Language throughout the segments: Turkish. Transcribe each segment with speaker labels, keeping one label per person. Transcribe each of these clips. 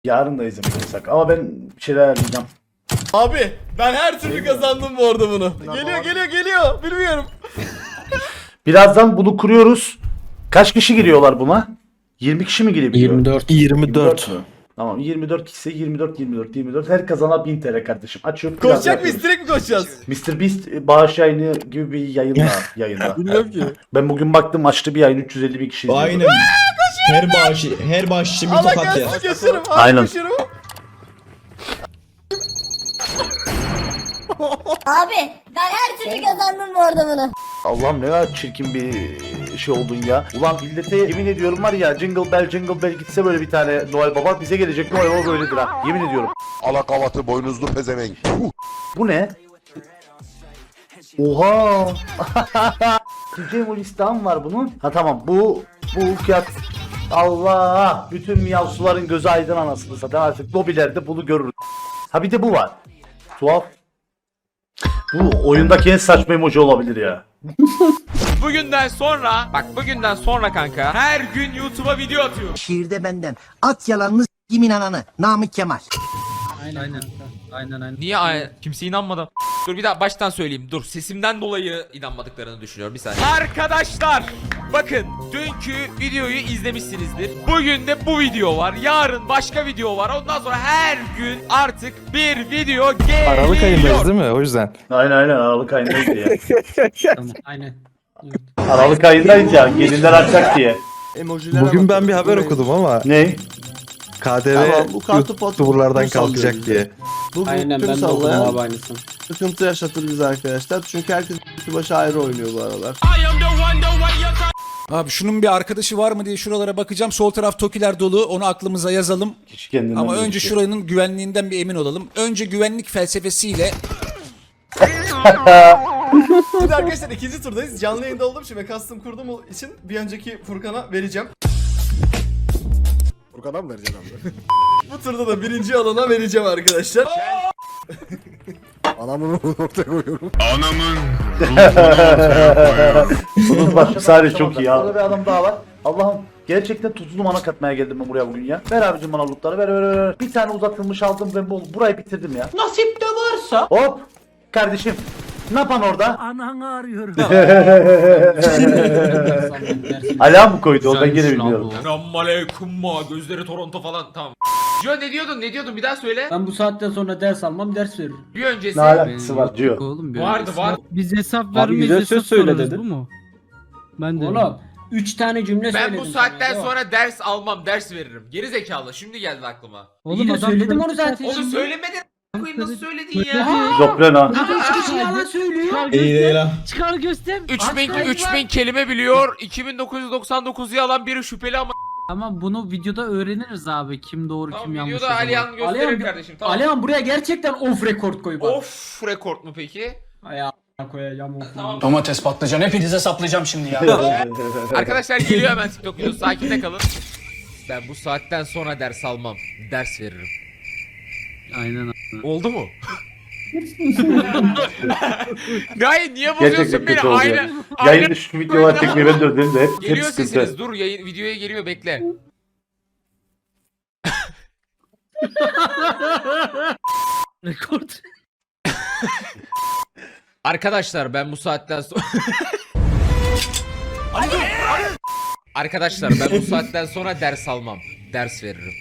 Speaker 1: Yarın da izlemek yasak ama ben bir şeyler ayarlayacağım.
Speaker 2: Abi ben her türlü kazandım bu arada bunu. Geliyor. Bilmiyorum.
Speaker 1: Birazdan bunu kuruyoruz. Kaç kişi giriyorlar buna? 20 kişi mi girebiliyor?
Speaker 3: 24.
Speaker 1: mü? Tamam 24 ise 24. Her kazana 1000 TL kardeşim. Açıyorum.
Speaker 2: Koşacak mıyız? Direkt mi koşacağız?
Speaker 1: Mr. Beast bağış yayını gibi bir yayında.
Speaker 2: Bilmiyorum ki.
Speaker 1: Ben bugün baktım açtı bir yayın 350 bin kişi izliyor.
Speaker 3: Aynen. Her bağış için bir
Speaker 2: Allah
Speaker 3: tokat ya.
Speaker 2: gelsin geçerim.
Speaker 1: Aynen.
Speaker 4: Abi ben her türlü kazandım bu arada bunu.
Speaker 1: Allah'ım ne kadar çirkin bir şey oldun ya. Ulan millete yemin ediyorum var ya Jingle Bell gitse böyle bir tane Noel Baba bize gelecek Noel Baba böyledir ha. Yemin ediyorum.
Speaker 5: Alakavatı boynuzlu pezevenk.
Speaker 1: Bu ne? Oha! Cem listem var bunun. Ha tamam bu fiyat. Allah! Bütün miyavsuların gözü aydın anasını satayım artık lobilerde bunu görürüz. Ha bir de bu var. Tuhaf. Bu oyundaki en saçma emoji olabilir ya.
Speaker 6: Bugünden sonra kanka her gün YouTube'a video atıyorum.
Speaker 7: Şiirde benden. At yalanını s**kimin ananı. Namık Kemal.
Speaker 8: Aynen.
Speaker 6: Niye kimse inanmadı? Dur bir daha baştan söyleyeyim. Dur sesimden dolayı inanmadıklarını düşünüyorum bir saniye. Arkadaşlar bakın dünkü videoyu izlemişsinizdir. Bugün de bu video var. Yarın başka video var. Ondan sonra her gün artık bir video geliyor.
Speaker 9: Aralık ayındayız değil mi? O yüzden.
Speaker 1: Aynen Aralık ayındaydı ya.
Speaker 8: Tamam, aynen.
Speaker 1: Aralık ayındaydı ya gelinler açacak diye.
Speaker 9: Bugün ben bir haber okudum ama
Speaker 1: Ne?
Speaker 9: KDV YouTuber'lardan kalkacak diye.
Speaker 8: Aynen ben de okudum abi aynısını.
Speaker 10: Sıkıntı yaşatır bize arkadaşlar. Çünkü herkes başı ayrı oynuyor bu aralar.
Speaker 11: Abi şunun bir arkadaşı var mı diye şuralara bakacağım. Sol taraf tokiler dolu. Onu aklımıza yazalım.
Speaker 1: Kişi kendinden
Speaker 11: Ama önce
Speaker 1: geçiyor.
Speaker 11: şuranın güvenliğinden bir emin olalım. Önce güvenlik felsefesiyle
Speaker 2: Şimdi arkadaşlar ikinci turdayız. Canlı yayında olduğum için ve custom kurduğum için bir önceki Furkan'a vereceğim.
Speaker 5: Furkan'a mı vereceksin abi?
Speaker 2: Bu turda da birinci alana vereceğim arkadaşlar.
Speaker 5: Anamın ortaya koyuyorum.
Speaker 1: Bunun başı sadece çok iyi ya. Bir adam daha var. Allah'ım gerçekten tuzlu mana katmaya geldim ben buraya bugün ya. Ver abicim bana lootları ver. Bir tane uzatılmış aldım ben burayı bitirdim ya.
Speaker 7: Nasip de varsa.
Speaker 1: Hop kardeşim. Ne yapan orada?
Speaker 7: Ananı arıyorum.
Speaker 1: Ala mı koydu o ben gene bilmiyorum.
Speaker 6: Selamünaleyküm gözleri Toronto falan tamam. Jo ne diyordun bir daha söyle.
Speaker 8: Ben bu saatten sonra ders almam, ders veririm.
Speaker 6: Bir öncesi.
Speaker 1: Ne alakası var diyor.
Speaker 8: Oğlum
Speaker 6: Vardı.
Speaker 8: Biz hesap
Speaker 3: güzel söz söyle dedi.
Speaker 8: Bu mu? Ben de. Oğlum 3 tane cümle
Speaker 6: Ben
Speaker 8: söyledim.
Speaker 6: bu saatten
Speaker 8: sana.
Speaker 6: sonra ders almam, ders veririm. Geri zekalı. Şimdi geldi aklıma.
Speaker 8: Oğlum adam söyledim onu zaten.
Speaker 6: Onu söylemedin. Koyayım nasıl söyledin ya?
Speaker 1: Şizofren ha.
Speaker 8: Yalan söylüyor.
Speaker 3: İyi değil ha.
Speaker 8: Çıkar göster.
Speaker 6: 3000 kelime biliyor. 2999'u alan biri şüpheli ama.
Speaker 8: Ama bunu videoda öğreniriz abi. Kim doğru kim
Speaker 6: Tamam
Speaker 8: yanlış.
Speaker 6: videoda Alihan gösterir kardeşim. Tamam.
Speaker 8: Alihan buraya gerçekten off record koy bak.
Speaker 6: Of rekord mu peki?
Speaker 8: Ayağa koyacağım off.
Speaker 6: Tamam.
Speaker 8: Domates patlıcan hepinize saplayacağım şimdi ya.
Speaker 6: Arkadaşlar geliyor hemen TikTok videosu. Sakin kalın. Ben bu saatten sonra ders almam. Ders veririm.
Speaker 8: Aynen.
Speaker 6: Oldu mu? Hayır niye bozuyorsun
Speaker 1: Gerçekten
Speaker 6: beni?
Speaker 1: kötü oldu ya. Yayın şu videolar çekmeyi ben de özledim de hep
Speaker 6: Geliyor
Speaker 1: sıkıntı.
Speaker 6: sesiniz. Dur videoya geliyor bekle.
Speaker 8: Rekord.
Speaker 6: Arkadaşlar ben bu saatten sonra Arkadaşlar ben bu saatten sonra ders almam. Ders veririm.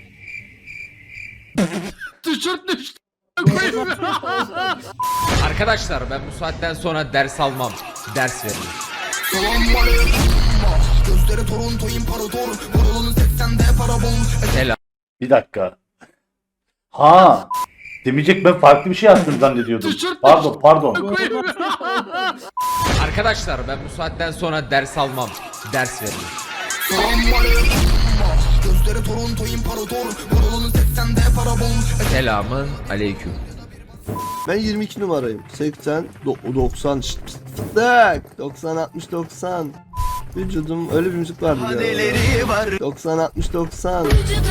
Speaker 8: Düşürt.
Speaker 6: Arkadaşlar ben bu saatten sonra ders almam. Ders veririm. Selam.
Speaker 1: Bir dakika. Ha. Demeyecek ben farklı bir şey yaptım zannediyordum. Pardon.
Speaker 6: Arkadaşlar ben bu saatten sonra ders almam. Ders veririm. Selamın aleyküm.
Speaker 10: Ben 22 numarayım. 80, 90, 90, 60, 90. Vücudum öyle bir müzik vardı ya. 90, 60, 90.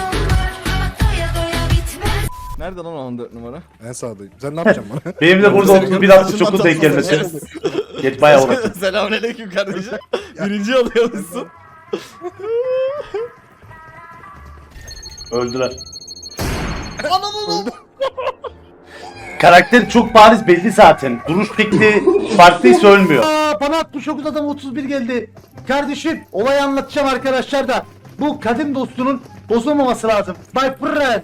Speaker 2: Nerede lan 14 numara?
Speaker 5: En sağdayım. Sen ne yapacaksın bana?
Speaker 1: Benim de burada 31-69 denk gelmesi. Geç bayağı uğraştım.
Speaker 2: Selamünaleyküm kardeşim. Birinci alıyormuşsun.
Speaker 1: Öldüler. Karakter çok bariz belli zaten. Duruş şekli farklıysa ölmüyor. Bana 69 adam 31 geldi. Kardeşim olayı anlatacağım arkadaşlar da. Bu kadim dostunun bozulmaması lazım. My friend.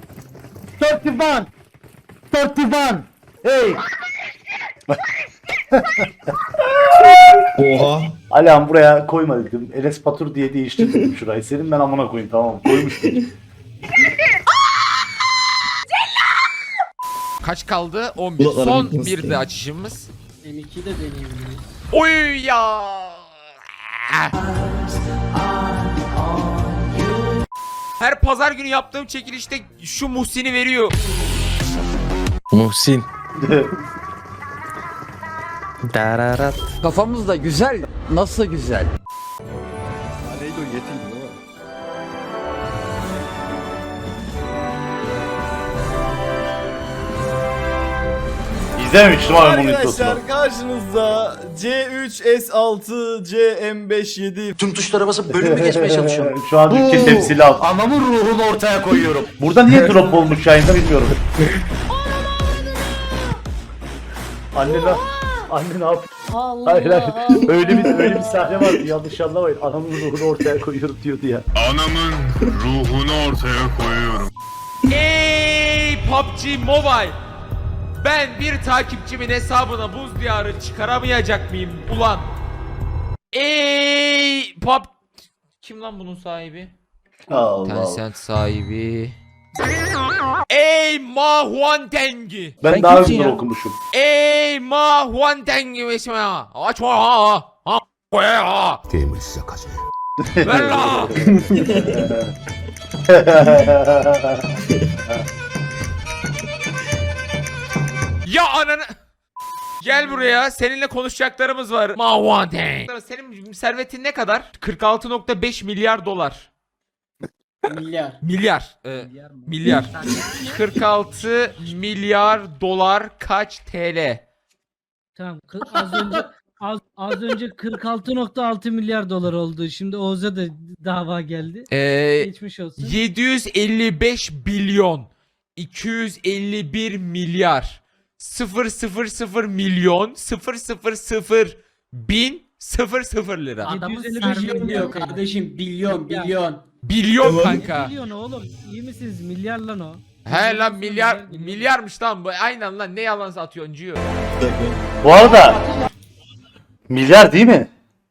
Speaker 1: 31. Hey.
Speaker 3: Oha.
Speaker 1: Alan buraya koyma dedim. Enes Batur diye değiştirdim şurayı. Senin ben amına koyayım tamam mı? Koymuştum.
Speaker 6: Kaç kaldı? 11.
Speaker 3: Kulaklarım
Speaker 6: Son
Speaker 3: gitmesin.
Speaker 6: bir de açışımız.
Speaker 8: M2'yi de deneyebiliriz.
Speaker 6: Oy ya. Her pazar günü yaptığım çekilişte şu Muhsin'i veriyor.
Speaker 9: Muhsin. Dararat.
Speaker 7: Kafamız da güzel. Nasıl güzel?
Speaker 5: Neydi o yetildi değil mi?
Speaker 1: İzlememiştim abi bunun videosunu.
Speaker 2: Arkadaşlar karşınızda C3S6 CM57
Speaker 7: Tüm tuşlara basıp bölümü geçmeye çalışıyorum.
Speaker 1: Şu an ülke temsili al. Anamın ruhunu ortaya koyuyorum. Burada niye drop olmuş yayında bilmiyorum. Anne ne yapıyor?
Speaker 4: Allah
Speaker 1: Hayır hayır.
Speaker 4: Allah.
Speaker 1: Öyle bir sahne vardı yanlış anlamayın. Anamın ruhunu ortaya koyuyorum diyordu ya.
Speaker 12: Anamın ruhunu ortaya koyuyorum.
Speaker 6: Ey PUBG Mobile. Ben bir takipçimin hesabına buz diyarı çıkaramayacak mıyım ulan? Ey PUBG... Kim lan bunun sahibi?
Speaker 1: Allah Allah.
Speaker 6: Tencent sahibi. Ey Ma Huantengi.
Speaker 1: Ben daha önce okumuşum.
Speaker 6: Ey Ma Huantengi mesela. Aç ha. Ha.
Speaker 5: Demir size kaçıyor.
Speaker 6: Ver la. Ya ananı. Gel buraya. Seninle konuşacaklarımız var. Ma Huanteng. Senin servetin ne kadar? 46.5 milyar dolar.
Speaker 8: Milyar.
Speaker 6: Milyar. Milyar. 46 milyar dolar kaç TL?
Speaker 8: Tamam. Az önce 46.6 milyar dolar oldu. Şimdi Oğuz'a da dava geldi. Geçmiş olsun.
Speaker 6: 755 milyon 251 milyar 000 milyon 000 bin 00 lira.
Speaker 8: Adamın 755 milyon milyon diyor kardeşim. Bilyon.
Speaker 6: Bilyon kanka.
Speaker 8: Milyon oğlum. İyi misiniz? Milyar lan o.
Speaker 6: He lan milyarmış lan bu. Aynen lan ne yalan satıyorsun Ciyo.
Speaker 1: Bu arada milyar değil mi?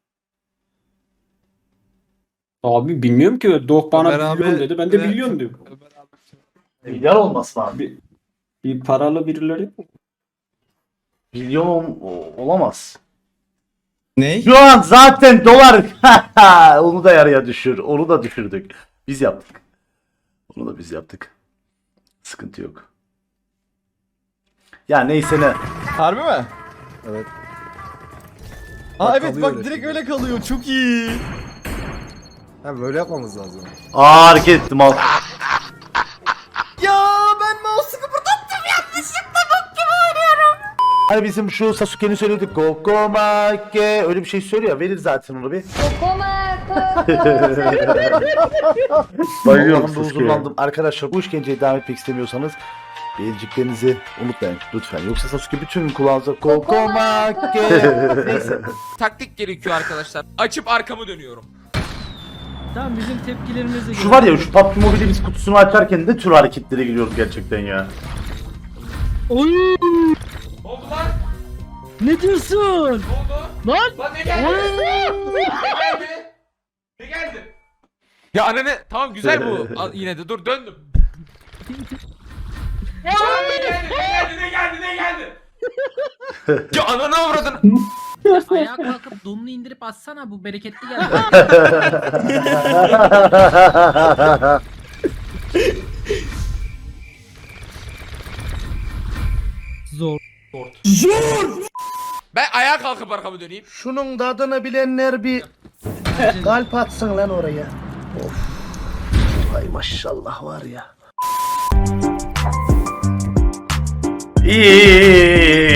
Speaker 8: Abi bilmiyorum ki. Doğuk bana
Speaker 3: Ömer abi-
Speaker 8: milyon dedi. Ben de milyon diyorum.
Speaker 1: Milyar olması lazım.
Speaker 8: Bir paralı birileri.
Speaker 1: Milyon olamaz.
Speaker 3: Ne?
Speaker 1: Şu an zaten dolar. Onu da yarıya düşür. Onu da düşürdük. Biz yaptık. Onu da biz yaptık. Sıkıntı yok. Ya neyse ne.
Speaker 2: Harbi mi?
Speaker 5: Evet.
Speaker 2: Aa
Speaker 5: Bak,
Speaker 2: evet
Speaker 5: kalıyor
Speaker 2: bak
Speaker 5: öyle
Speaker 2: direkt
Speaker 5: şimdi.
Speaker 2: öyle kalıyor çok iyi.
Speaker 5: Ha böyle yapmamız lazım.
Speaker 1: Hareket ettim al.
Speaker 2: Ya ben mouse'u kıpırdattım yanlışlıkla bok gibi oynuyorum.
Speaker 1: Hani bizim şu Sasuke'nin söylediği Kokomake öyle bir şey söylüyor ya, verir zaten onu bir. Bayılıyorum, huzurlandım. Arkadaşlar bu işkenceye devam etmek istemiyorsanız beğeniciklerinizi unutmayın lütfen. Yoksa Sasuke bütün kulağınıza Kokomake. Neyse.
Speaker 6: Taktik gerekiyor arkadaşlar. Açıp arkamı dönüyorum.
Speaker 8: Tamam bizim tepkilerimizi
Speaker 1: Şu var ya, şu PUBG Mobile biz kutusunu açarken ne tür hareketlere giriyoruz gerçekten ya.
Speaker 8: Oy!
Speaker 6: Ne oldu lan?
Speaker 8: Ne diyorsun?
Speaker 6: Ne oldu?
Speaker 8: Lan!
Speaker 6: Lan ne geldi? Ne geldi? Ya ananı tamam güzel bu. Al, yine de dur döndüm. Ne geldi? Ya ananı avradın.
Speaker 8: Ayağa kalkıp donunu indirip atsana, bu bereketli geldi. Zor.
Speaker 6: Ben ayağa kalkıp arkamı döneyim.
Speaker 7: Şunun tadını bilenler bir kalp atsın lan oraya. Of. Ay maşallah var ya.
Speaker 1: İyi.